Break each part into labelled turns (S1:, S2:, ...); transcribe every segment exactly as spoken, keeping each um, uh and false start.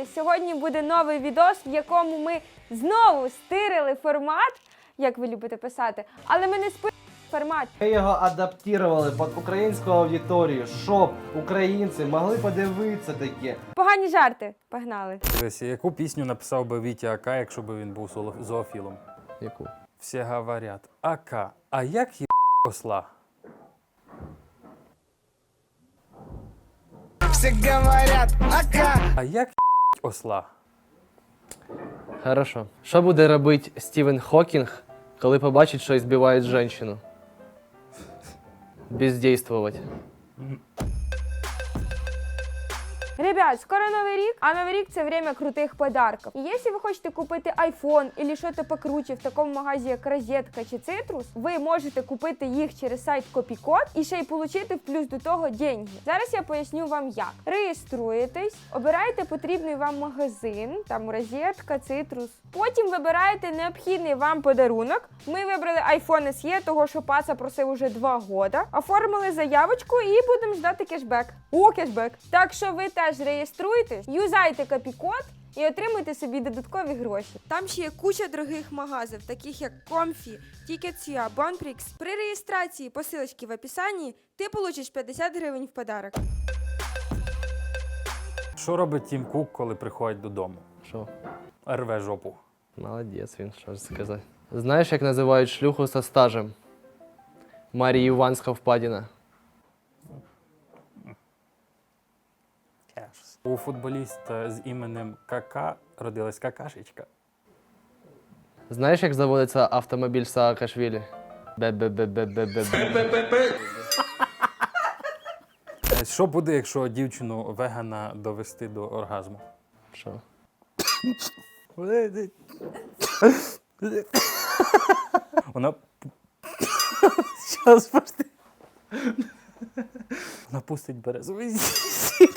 S1: Вітайте! Сьогодні буде новий відос, в якому ми знову стирили формат, як ви любите писати, але ми не спи формат.
S2: Ми його адаптували під українську аудиторію, щоб українці могли подивитися таке.
S1: Погані жарти. Погнали.
S3: Дивись, яку пісню написав би Вітя Ака, якщо б він був зоо- зоофілом?
S2: Яку?
S3: Всі говорять, Ака, а як є осла?
S4: Все говорят, ака.
S3: А як є осла?
S5: Хорошо. Що буде робити Стівен Хокінг, коли побачить, що збивають жінку? Бездействовать.
S1: Ребят, скоро Новий рік, а Новий рік – це время крутих подарків. І якщо ви хочете купити айфон або щось покруче в такому магазі, як Розетка чи Цитрус, ви можете купити їх через сайт Копікод і ще й отримати в плюс до того деньги. Зараз я поясню вам як. Реєструєтесь, обираєте потрібний вам магазин, там Розетка, Цитрус. Потім вибираєте необхідний вам подарунок. Ми вибрали iPhone ес і, того що паца просив уже два роки. Оформили заявочку і будемо ждати кешбек. О, кешбек! Так що ви теж реєструйтесь, юзайте Копікод і отримуйте собі додаткові гроші. Там ще є куча дорогих магазів, таких як Comfy, Tickets.ua, Bonprix. При реєстрації по ссылочці в описанні ти получиш п'ятдесят гривень в подарок.
S3: Що робить Тім Кук, коли приходить додому?
S5: Що?
S3: Рве жопу.
S5: Молодець він, що ж сказати. Знаєш, як називають шлюху со стажем? Марія Іванська впадіна.
S3: У футболіста з іменем Кака родилась какашечка.
S5: Знаєш, як заводиться автомобіль Саакашвілі? Бе-бе-бе-бе-бе-бе.
S3: Що буде, якщо дівчину вегана довести до оргазму?
S5: Що?
S3: Вона... Щас, пошти. Вона пустить березовий сік.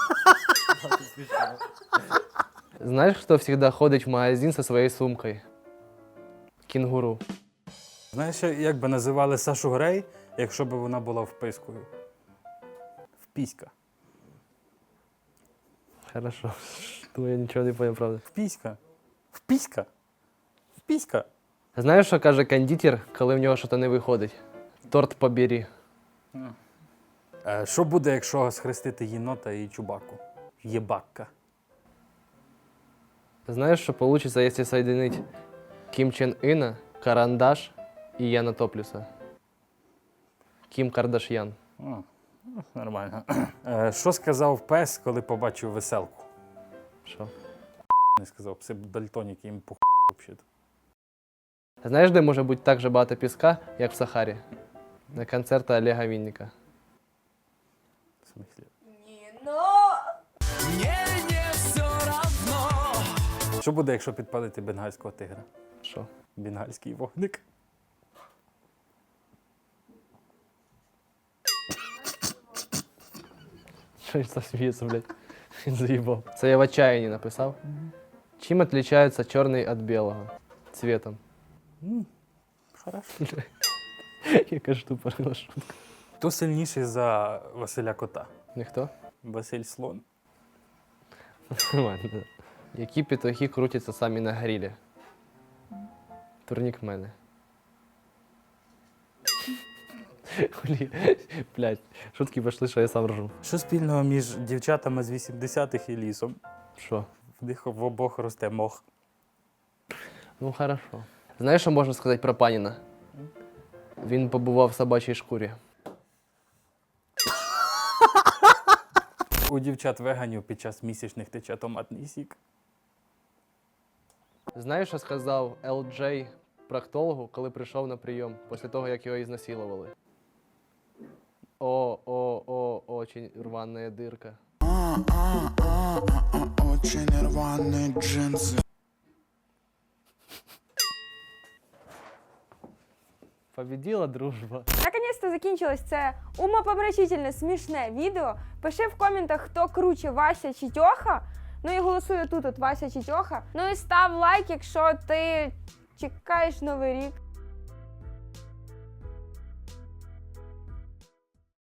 S5: Знаєш, хто завжди ходить в магазин зі своєю сумкою? Кінгуру.
S3: Знаєш, як би називали Сашу Грей, якщо б вона була впискою? Впіська.
S5: Хорошо. Тому я нічого не поняв, правда.
S3: Впіська. Впіська. Впіська.
S5: Знаєш, що каже кондитер, коли в нього щось не виходить? Торт побери.
S3: Е, Що буде, якщо схрестити єнота і чубаку? Єбакка.
S5: Знаєш, що вийде, якщо соединить Кім Чен Іна, Карандаш і Яна Топлюса? Кім Кардаш'ян.
S3: О, ну, нормально. Е, Що сказав пес, коли побачив веселку?
S5: Що?
S3: Не сказав, пси дальтоніки, їм похуй взагалі.
S5: Знаєш, де може бути так же багато піска, як в Сахарі? На концерті Олега Вінника.
S3: В смислі?
S4: Мне не все равно.
S3: Що буде, якщо підпалити бенгальського тигра?
S5: Що?
S3: Бенгальський вогник.
S5: Що ж сміється, блядь? Він заїбав. Це я в отчаянні написав. Чим відрізняється чорний від білого? Цветом.
S3: М, Хорошо.
S5: Яка ж тупорила шутка.
S3: Хто сильніший за Василя Кота?
S5: Ніхто?
S3: Василь Слон.
S5: Нормально. Які петухи крутяться самі на грилі? Турнік мене. Хулі, блядь, шутки пішли, що я сам ржу.
S3: Що спільного між дівчатами з вісімдесятих і лісом?
S5: Що?
S3: В них в обох росте мох.
S5: Ну, хорошо. Знаєш, що можна сказати про Паніна? Він побував в собачій шкурі.
S3: У дівчат-веганів під час місячних тече томатний сік.
S5: Знаєш, що сказав Ел Джей проктологу, коли прийшов на прийом, після того, як його ізнасилували? О, о, о, очень рваная дырка.
S4: Очень рваные джинсы.
S5: Победила дружба.
S1: Наконець-то закінчилось це умопомрачительне, смішне відео. Пиши в коментах, хто круче, Вася чи Тьоха. Ну і голосуй тут, от Вася чи Тьоха. Ну і став лайк, якщо ти чекаєш Новий рік.